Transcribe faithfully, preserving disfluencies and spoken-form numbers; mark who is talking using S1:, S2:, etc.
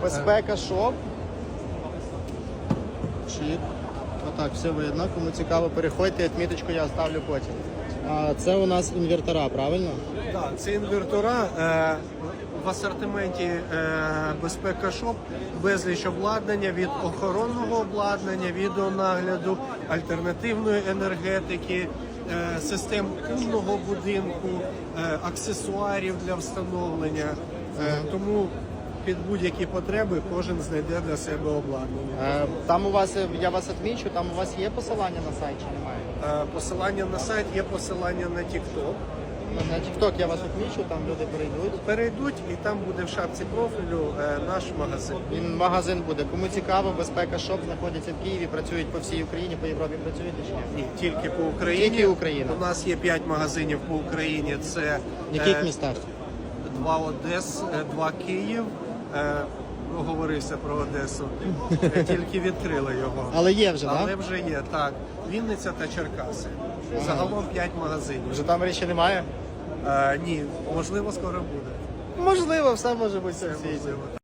S1: Безпека шоп. Чик. Отак, все видно. Кому цікаво, переходьте, відміточку я оставлю потім. А це у нас інвертора, правильно?
S2: Так, це інвертора. Е, в асортименті е, Безпека Шоп безліч обладнання від охоронного обладнання, відеонагляду, альтернативної енергетики, е, систем умного будинку, е, аксесуарів для встановлення. Е, тому під будь-які потреби кожен знайде для себе обладнання.
S1: Е, Там у вас, я вас відмічу, там у вас є посилання на сайт чи немає?
S2: Е, Посилання на сайт, є посилання на TikTok.
S1: На TikTok я вас відмічу, там люди перейдуть.
S2: Перейдуть і там буде в шапці профілю е, наш магазин.
S1: Він магазин буде. Кому цікаво, Безпека Шоп знаходиться в Києві, працюють по всій Україні, по Європі працюєте чи ні?
S2: Ні, тільки по Україні.
S1: Тільки Україна.
S2: У нас є п'ять магазинів по Україні. Це
S1: В яких
S2: е,
S1: містах?
S2: два Одес, е, два Київ. Е, Оговорився про Одесу. Е, Тільки відкрили його.
S1: Але є вже, так?
S2: Але вже є, так. Вінниця та Черкаси. Загалом п'ять магазинів.
S1: В Житомирі ще немає?
S2: Е, ні, можливо, скоро буде.
S1: Можливо, все може бути в
S2: Це
S1: світі.
S2: можливо.